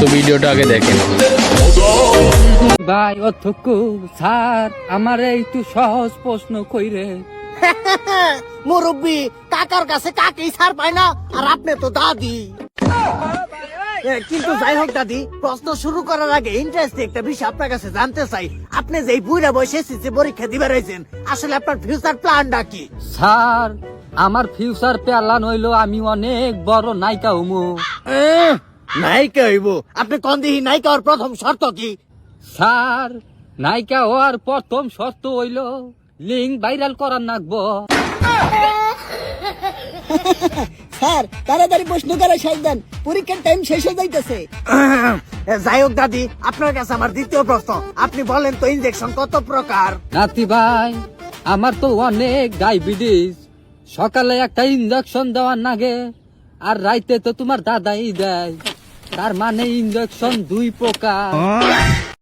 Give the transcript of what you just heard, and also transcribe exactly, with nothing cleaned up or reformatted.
তো ভিডিওটা আগে দেখেন। ভাই অধ্যক্ষ স্যার আমার একটু সহজ প্রশ্ন কইরে। মুরব্বী কাকার কাছে কাকেই ছাড় পায় না, আর আপনি তো দাদি। এ, কিন্তু যাই হোক দাদি, প্রশ্ন শুরু করার আগে ইন্টারেস্ট একটা বিষয় আপনার কাছে জানতে চাই। আপনি যে এই বুড়া বয়সে এসেছে পরীক্ষা দিবে রয়েছেন, আসলে আপনার ফিউচার প্ল্যানটা কি? স্যার আমার ফিউচার প্ল্যান হইলো আমি অনেক বড় নায়িকা হমু। আহ, নায়িকা হইব? আপনি কোন দিহি নায়িকা হওয়ার প্রথম শর্ত কি? স্যার নায়িকা হওয়ার প্রথম শর্ত হইলো লিঙ্ক ভাইরাল করার নাগবো। স্যার তাড়াতাড়ি প্রশ্ন করে শেষ দেন, পরীক্ষার টাইম শেষ হয়ে যাইতেছে। যাই হোক দাদি, আপনার কাছে আমার দ্বিতীয় প্রশ্ন, আপনি বলেন তো ইনজেকশন কত প্রকার? নাতি ভাই আমার তো অনেক ডায়াবেটিস, সকালে একটা ইঞ্জেকশন দেওয়ার নাগে আর রাইতে তো তোমার দাদাই দেয়, তার মানে ইঞ্জেকশন দুই প্রকার।